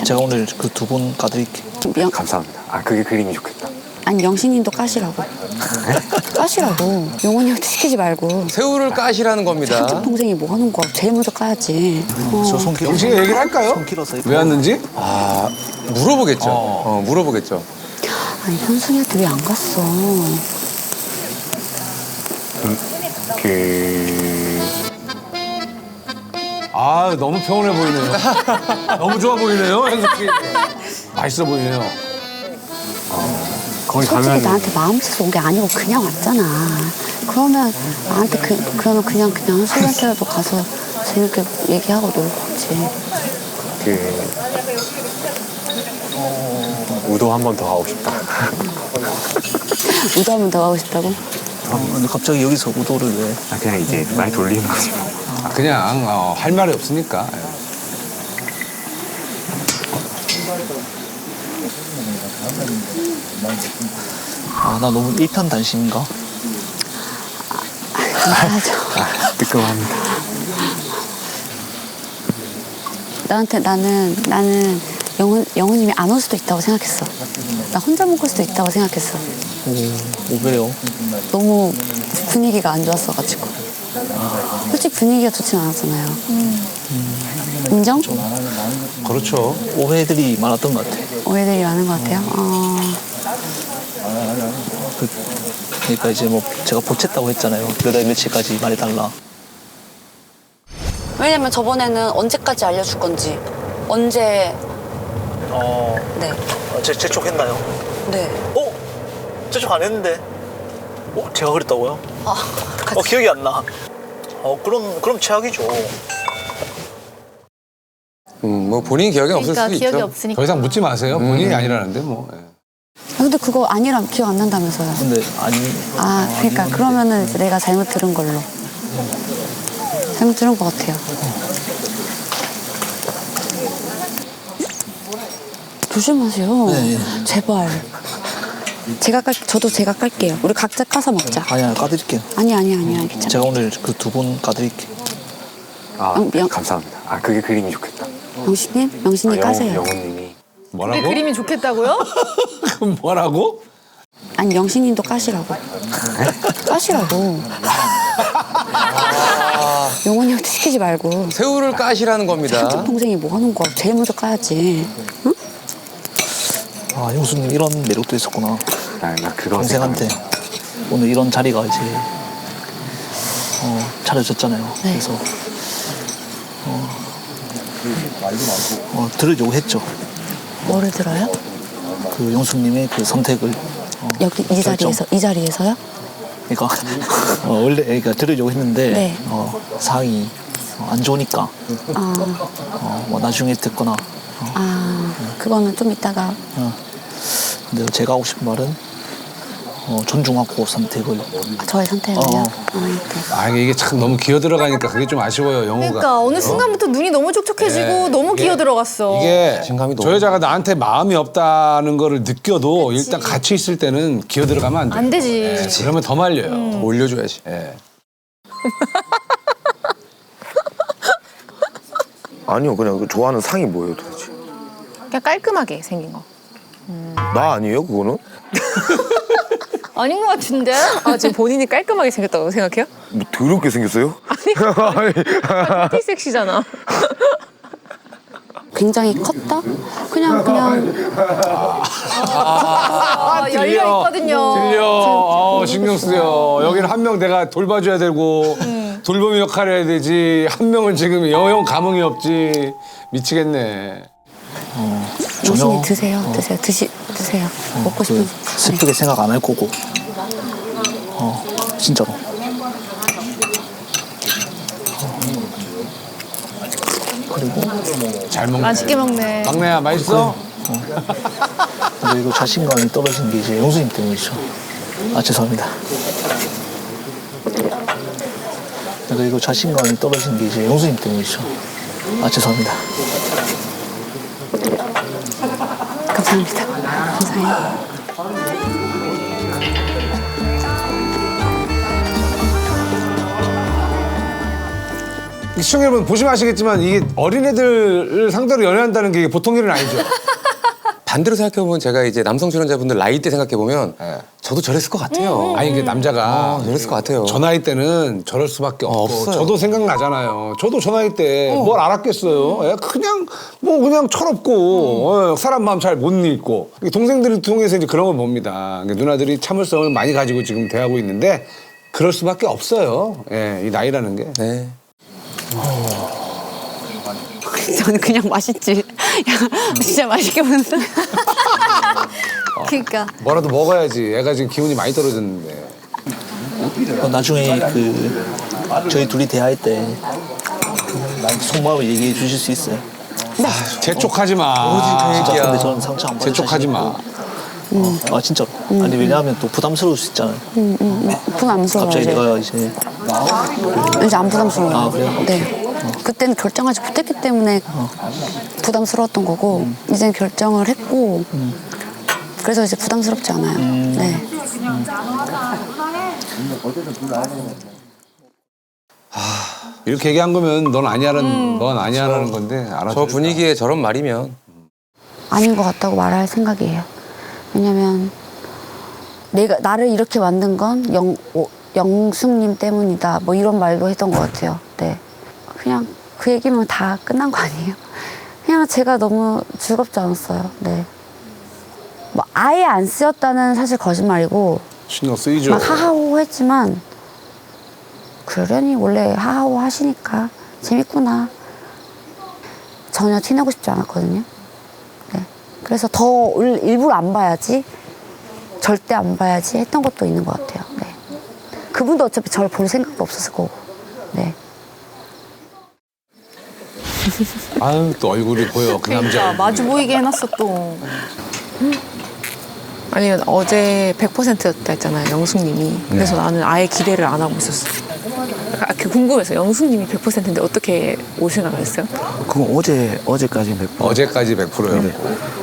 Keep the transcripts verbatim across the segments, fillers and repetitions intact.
제가 오늘 그 두 분 까드릴게요. 영... 감사합니다. 아 그게 그림이 좋겠다. 아니 영신님도 까시라고. 까시라고. 용원이한테 시키지 말고. 새우를 까시라는 겁니다. 한쪽 동생이 뭐 하는 거야? 제일 먼저 까야지. 어. 저 손길. 영식이 얘기를 할까요? 손 길어서. 왜 왔는지? 아 물어보겠죠. 어. 어, 물어보겠죠. 아니 현승이한테 왜 안 갔어? 그 아 너무 평온해 보이네요. 너무 좋아 보이네요, 현석이. 맛있어 보이네요. 거기 솔직히 가면 나한테 마음 씻어 온 게 아니고 그냥 왔잖아. 그러면 나한테 그, 그러면 그냥 그냥 한술한테라도 가서 재밌게 얘기하고 놀고 오지. 그 우도 한 번 더 하고 싶다. 우도 한 번 더 가고 싶다고? 아, 근데 갑자기 여기서 우도를 왜? 아, 그냥 이제 말 돌리는 거지. 아, 그냥 어, 할 말이 없으니까. 아, 나 너무 일편단심인가? 감사하죠. 아, 뜨끔합니다. 나한테 나는 나는 영훈 영훈님이 안 올 수도 있다고 생각했어. 나 혼자 먹을 수도 있다고 생각했어. 오, 오 왜요? 너무 분위기가 안 좋았어가지고. 솔직히 분위기가 좋진 않았잖아요. 음. 인정? 그렇죠. 오해들이 많았던 것 같아. 오해들이 많은 것 같아요. 어... 그, 그러니까 이제 뭐 제가 보챘다고 했잖아요. 몇 월 며칠까지 말해달라. 왜냐면 저번에는 언제까지 알려줄 건지 언제 어, 네 제, 재촉했나요? 네. 어? 재촉 안 했는데? 어? 제가 그랬다고요? 아, 어, 기억이 안 나. 어, 그럼, 그럼 최악이죠. 음, 뭐 본인 기억이 없을 그러니까 수도 기억이 있죠. 없으니까. 더 이상 묻지 마세요. 본인이 아니라는데 뭐. 예. 아, 근데 그거 아니라면 기억 안 난다면서요. 근데 아니. 아 그러니까 그러면은 이제 내가 잘못 들은 걸로. 잘못 들은 것 같아요. 조심하세요. 네, 네. 제발. 제가 깔 저도 제가 깔게요. 우리 각자 까서 먹자. 아니야, 까드릴게요. 아니 아니 아니 아니 괜찮아. 제가 오늘 그 두 분 까드릴게요. 아 영- 영- 감사합니다. 아 그게 그림이 좋겠다. 영신님, 영신님 까세요. 영훈님이 우리 뭐라고? 그림이 좋겠다고요? 그럼 뭐라고? 아니 영신님도 까시라고. 까시라고. 용원이한테 시키지 말고. 새우를 까시라는 겁니다. 한쪽 동생이 뭐 하는 거야? 제일 먼저 까야지. 응? 아, 형수님 이런 매력도 있었구나. 나, 나 그거 동생한테 오늘 이런 자리가 이제 어, 차려졌잖아요. 네. 그래서 어, 어, 들으려고 했죠. 뭐를 들어요? 그 용수님의 그 선택을 어, 여기 이 결정. 자리에서 이 자리에서요? 그러니까 어, 원래 그러니까 들으려고 했는데 네. 어, 상이 어, 안 좋으니까 아, 어, 뭐 나중에 듣거나 어, 아 그거는 좀 이따가. 어. 근데 제가 하고 싶은 말은 어, 존중하고 선택을 아, 저의 선택을요? 어. 아, 네. 아 이게 참 너무 기어 들어가니까 그게 좀 아쉬워요, 영호가. 그러니까 어느 순간부터 눈이 너무 촉촉해지고 네, 너무 이게- 기어 들어갔어. 이게 자신감이 저 너무- 여자가 나한테 마음이 없다는 거를 느껴도 일단 같이 있을 때는 기어 들어가면 안 돼. 안 되지. 네, 그러면 더 말려요. 더 올려줘야지. 예. 아니요, 그냥 그 좋아하는 상이 뭐예요, 도대체? 그냥 깔끔하게 생긴 거. 나 아니에요, 그거는? 아닌 것 같은데? 아 지금 본인이 깔끔하게 생겼다고 생각해요? 뭐 더럽게 생겼어요? 티 섹시잖아. 굉장히 컸다? 그냥 그냥 아, 열려 있거든요. 들려. 어, 신경 쓰여. 여기는 한 명 내가 돌봐줘야 되고 돌봄이 역할을 해야 되지. 한 명은 지금 영영 감흥이 없지. 미치겠네. 영신이 드세요. 드세요. 드시 드세요. 먹고 싶은. 그 슬프게 생각 안 할 거고 어, 진짜로 어. 그리고 잘 먹네. 맛있게 먹네. 막내야 맛있어? 근데 이거 자신감이 떨어진 게 이제 용수님 때문이죠. 아 죄송합니다. 근데 이거 자신감이 떨어진 게 이제 용수님 때문이죠. 아 죄송합니다. 감사합니다. 감사해요. 시청자 여러분 보시면 아시겠지만 이게 어린애들을 상대로 연애한다는 게 보통 일은 아니죠. 반대로 생각해보면 제가 이제 남성 출연자분들 나이 때 생각해보면 네. 저도 저랬을 것 같아요. 아니 이게 남자가 어, 저랬을 것 같아요. 저 나이 때는 저럴 수밖에 없고 없어요. 저도 생각나잖아요. 저도 저 나이 때 뭘 알았겠어요. 예, 그냥 뭐 그냥 철없고 어, 사람 마음 잘 못 읽고 동생들을 통해서 이제 그런 걸 봅니다. 그러니까 누나들이 참을성을 많이 가지고 지금 대하고 있는데 그럴 수밖에 없어요. 예, 이 나이라는 게. 네. 저는 그냥 맛있지. 야, 진짜 맛있게 먹는다. 그러니까 뭐라도 먹어야지. 애가 지금 기운이 많이 떨어졌는데. 어, 나중에 그 저희 둘이 대화할 때 난 속마음을 얘기해 주실 수 있어요? 재촉하지 마. 오직 진짜 얘기야. 근데 저는 상처 안 받을 재촉하지 자신 마. 있고. 어, 아 진짜로. 아니 왜냐하면 또 부담스러울 수 있잖아요. 부담스러워요. 갑자기 이제. 내가 이제 이제 안 부담스러워요. 아, 그래요? 네. 그때는 결정하지 못했기 때문에 부담스러웠던 거고 이제는 결정을 했고 그래서 이제 부담스럽지 않아요. 네. 이렇게 얘기한 거면 넌 아니야라는 넌 아니야라는 건데 알아서. 저 분위기에 저런 말이면 아닌 것 같다고 말할 생각이에요. 왜냐면 내가 나를 이렇게 만든 건 영, 오, 영숙님 때문이다. 뭐 이런 말도 했던 것 같아요. 네. 그냥 그 얘기면 다 끝난 거 아니에요? 그냥 제가 너무 즐겁지 않았어요. 네. 뭐 아예 안 쓰였다는 사실 거짓말이고 신경 쓰이죠. 막 하하호 했지만 그러려니 원래 하하호 하시니까 재밌구나. 전혀 티내고 싶지 않았거든요. 네. 그래서 더 일- 일부러 안 봐야지, 절대 안 봐야지 했던 것도 있는 것 같아요. 네. 그분도 어차피 저를 볼 생각도 없었을 거고. 네. 아유 또 얼굴이 보여 그 남자. 그러니까 마주 보이게 해놨어 또. 아니면 어제 백 퍼센트였다 했잖아요, 영숙님이. 그래서 네. 나는 아예 기대를 안 하고 있었어. 아, 그 궁금해서 영숙님이 백 퍼센트인데 어떻게 올 생각을 했어요? 그건 어제 어제까지 몇 번. 어제까지 백 퍼센트요. 네.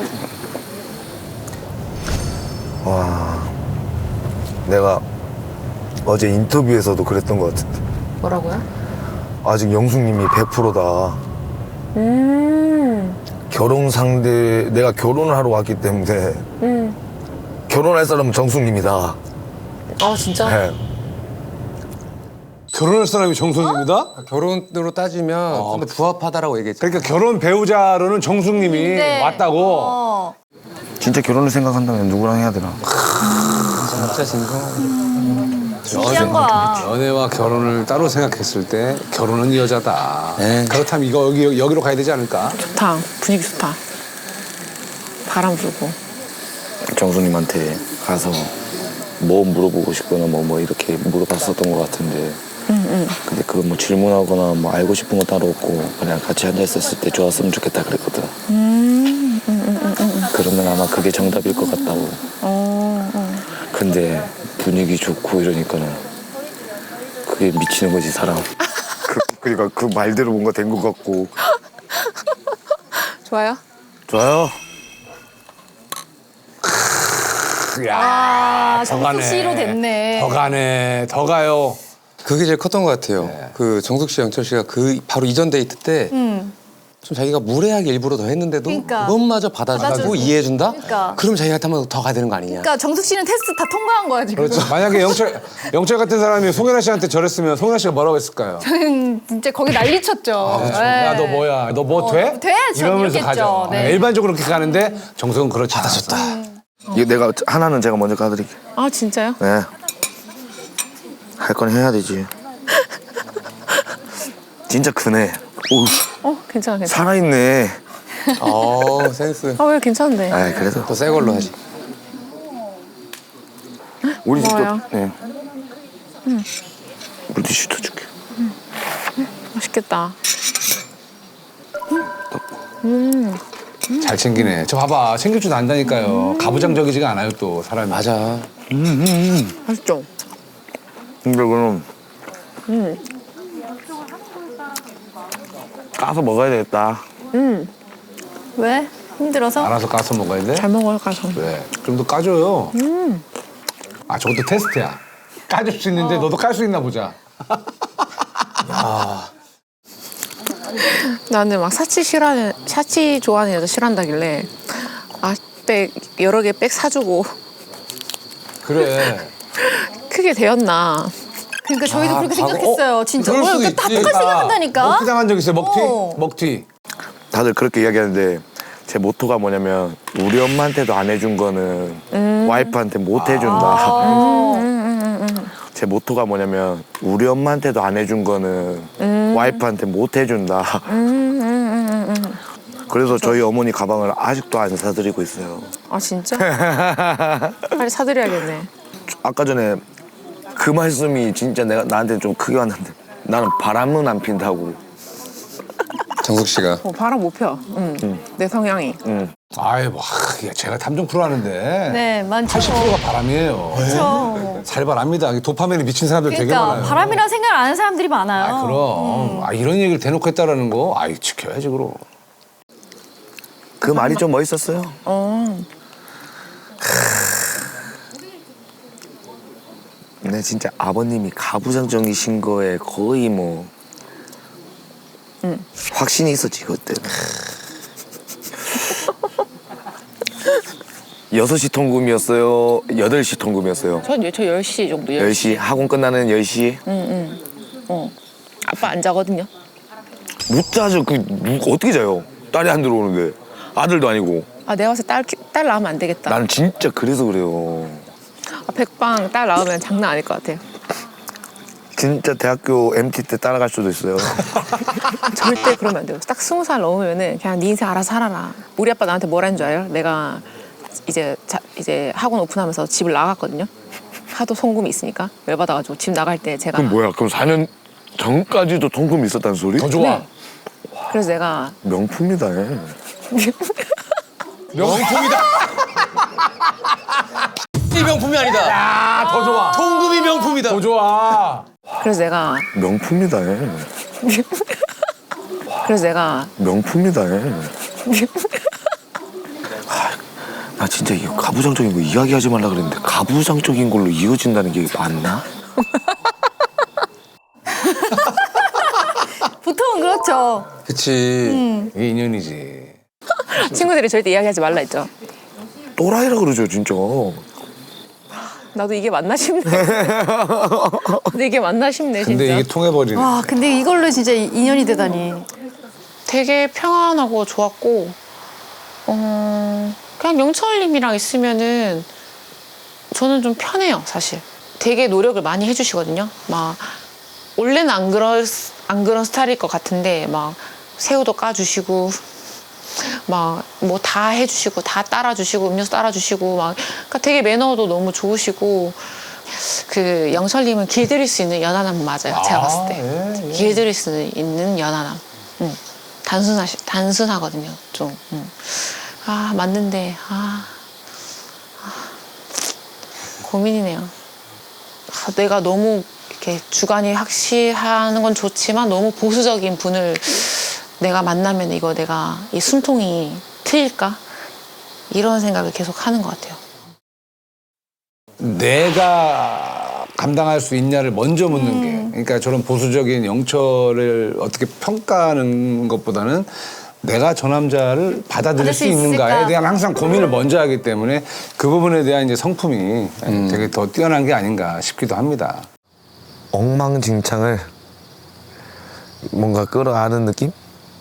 와, 내가 어제 인터뷰에서도 그랬던 것 같은데 뭐라고요? 아직 영숙님이 백 퍼센트다. 음, 결혼 상대 내가 결혼을 하러 왔기 때문에 음. 결혼할 사람은 정숙님이다. 아, 진짜? 네. 결혼할 사람이 정숙님이다? 결혼으로 따지면 좀 더 부합하다라고 얘기했죠. 그러니까 결혼 배우자로는 정숙님이 네. 왔다고. 어. 진짜 결혼을 생각한다면 누구랑 해야 되나? 진짜 진성. 진지한 거야. 연애와 결혼을 따로 생각했을 때 결혼은 이 여자다. 네. 그렇다면 이거 여기 여기로 가야 되지 않을까? 좋다. 분위기 좋다. 바람 불고. 정수님한테 가서 뭐 물어보고 싶거나 뭐, 뭐 이렇게 물어봤었던 것 같은데 응, 응. 근데 그건 뭐 질문하거나 뭐 알고 싶은 거 따로 없고 그냥 같이 앉아있었을 때 좋았으면 좋겠다 그랬거든. 음, 음, 음, 음, 음. 그러면 아마 그게 정답일 것 같다고. 어, 어. 근데 분위기 좋고 이러니까는 그게 미치는 거지 사람. 그, 그러니까 그 말대로 뭔가 된 것 같고. 좋아요? 좋아요. 아, 더 가네. 정숙 씨로 됐네. 더 가네. 더 가요. 그게 제일 컸던 것 같아요. 네. 그 정숙 씨, 영철 씨가 그 바로 이전 데이트 때 좀 음. 자기가 무례하게 일부러 더 했는데도 그러니까. 그것마저 받아주고 받아주고. 이해해준다? 그러니까. 그럼 자기한테 한번 더 가야 되는 거 아니냐? 그러니까 정숙 씨는 테스트 다 통과한 거야 지금. 그렇죠. 만약에 영철 영철 같은 사람이 송혜나 씨한테 저랬으면 송혜나 씨가 뭐라고 했을까요? 저는 진짜 거기 난리쳤죠. 네. 야 너 뭐야? 너 뭐 어, 돼? 돼? 전 이러면서 이렇겠죠. 가죠. 네. 일반적으로 그렇게 가는데 정석은 그렇지 않았었다. 이거 내가 하나는 제가 먼저 가드릴게요. 아, 진짜요? 네. 할 건 해야 되지. 진짜 크네. 오, 어, 괜찮아, 괜찮아. 살아있네. 어 센스. 아, 왜 괜찮은데? 아, 그래도 더 새 걸로 하지. 우리 집도 뭐야? 네. 물티슈도 줄게. 맛있겠다. 잘 챙기네. 저 봐봐. 챙길 줄 안다니까요. 가부장적이지가 않아요 또 사람이. 맞아. 맛있죠? 근데 그럼 까서 먹어야 되겠다. 음, 왜? 힘들어서? 알아서 까서 먹어야 돼? 잘 먹어요, 가서. 왜? 좀 더 까줘요. 아 저것도 테스트야. 까줄 수 있는데 너도 깔 수 있나 보자. 나는 막 사치 싫어하는 사치 좋아하는 여자 싫어한다길래 아 백 여러 개 백 사주고 그래. 크게 되었나. 그러니까 저희도 그렇게 과거- 생각했어요. 진짜. 그럴 어, 수도 그러니까 다 있지. 똑같이 생각한다니까. 먹튀 당한 적 있어요? 먹튀? 어. 먹튀. 다들 그렇게 이야기하는데 제 모토가 뭐냐면 우리 엄마한테도 안 해준 거는 와이프한테 못 해준다. 제 모토가 뭐냐면 우리 엄마한테도 안 해준 거는 와이프한테 못 해준다. 그래서 저희 어머니 가방을 아직도 안 사드리고 있어요. 아 진짜? 빨리 사드려야겠네. 아까 전에 그 말씀이 진짜 내가 나한테 좀 크게 왔는데 나는 바람은 안 핀다고. 정숙 씨가 어, 바람 못 펴. 응. 내 성향이. 아이, 뭐, 하, 제가 탐정 프로 하는데. 네, 많죠. 팔십 퍼센트가 바람이에요. 그렇죠. 살벌합니다. 도파민에 미친 사람들 되게 그러니까 많아요. 바람이라는 생각을 안 하는 사람들이 많아요. 아, 그럼. 아, 이런 얘기를 대놓고 했다라는 거, 아이, 지켜야지, 그럼. 그 말이 좀 멋있었어요. 어. 근데 진짜 아버님이 가부장적이신 거에 거의 뭐 확신이 있었지 그때. 여섯 시 통금이었어요? 여덟 시 통금이었어요? 전저 열 시 정도. 열 시? 학원 끝나는 열 시? 응응. 어. 아빠 안 자거든요. 못 자죠. 그 누- 어떻게 자요? 딸이 안 들어오는데. 아들도 아니고. 아 내가 봤을 때 딸 딸 낳으면 안 되겠다. 나는 진짜 그래서 그래요. 아, 백방 딸 낳으면 장난 아닐 것 같아요. 진짜 대학교 엠티 때 따라갈 수도 있어요. 절대 그러면 안 돼요. 딱 스무 살 넘으면은 그냥 네 인생 알아서 살아라. 우리 아빠 나한테 뭐라는 줄 알아요? 내가 이제 자, 이제 학원 오픈하면서 집을 나갔거든요. 하도 송금이 있으니까 열받아가지고 집 나갈 때 제가 그럼 뭐야? 그럼 사 년 전까지도 통금이 있었다는 소리? 더 좋아. 네. 그래서 내가 명품이다. 얘. 명품이다. 이 명품이 아니다. 아, 더 좋아. 통금이 명품이다. 더 좋아. 그래서 내가 명품이다. 얘. 그래서 내가 명품이다. 얘. 아, 나 진짜 이 가부장적인 거 이야기하지 말라 그랬는데 가부장적인 걸로 이어진다는 게 맞나? 보통은 그렇죠. 그치. 이게 인연이지. 친구들이 절대 이야기하지 말라 했죠. 또라이라 그러죠 진짜. 나도 이게 맞나 싶네. 근데 이게 맞나 싶네 진짜. 근데 이게 통해버리네. 와, 근데 이걸로 진짜 인연이 되다니. 되게 평안하고 좋았고 어, 그냥 영철님이랑 있으면은 저는 좀 편해요 사실. 되게 노력을 많이 해주시거든요. 막 원래는 안 그런 안 그런 스타일일 것 같은데 막 새우도 까주시고 막 뭐 다 해주시고 다 따라주시고 음료수 따라주시고 막 그러니까 되게 매너도 너무 좋으시고 그 영철님은 길들일 수 있는 연하남 맞아요. 제가 봤을 때 예, 예. 길들일 수 있는 연하남. 응. 단순하시 단순하거든요. 좀. 응. 아 맞는데 아, 아 고민이네요. 아, 내가 너무 이렇게 주관이 확실하는 건 좋지만 너무 보수적인 분을 내가 만나면 이거 내가 이 숨통이 트일까? 이런 생각을 계속 하는 것 같아요. 내가 감당할 수 있냐를 먼저 묻는 게. 그러니까 저런 보수적인 영철을 어떻게 평가하는 것보다는 내가 저 남자를 받아들일 받을 수 수 있는가에 있을까? 대한 항상 고민을 먼저 하기 때문에 그 부분에 대한 이제 성품이 되게 더 뛰어난 게 아닌가 싶기도 합니다. 엉망진창을 뭔가 끌어안는 느낌?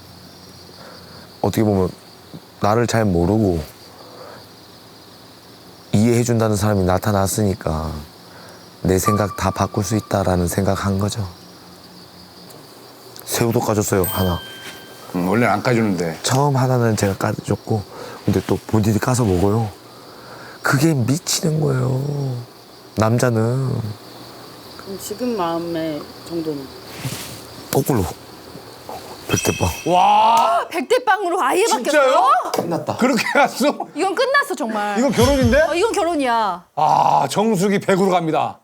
어떻게 보면 나를 잘 모르고 이해해준다는 사람이 나타났으니까 내 생각 다 바꿀 수 있다라는 생각한 거죠. 새우도 까줬어요, 하나. 음, 원래는 안 까주는데. 처음 하나는 제가 까줬고 근데 또 본인이 까서 먹어요. 그게 미치는 거예요. 남자는 그럼 지금 마음의 정도는? 거꾸로 백대빵. 와, 백대빵으로 아예 진짜요? 바뀌었어? 그렇게 갔어? 이건 끝났어 정말. 이거 결혼인데? 어, 이건 결혼이야. 아, 정숙이 백으로 갑니다.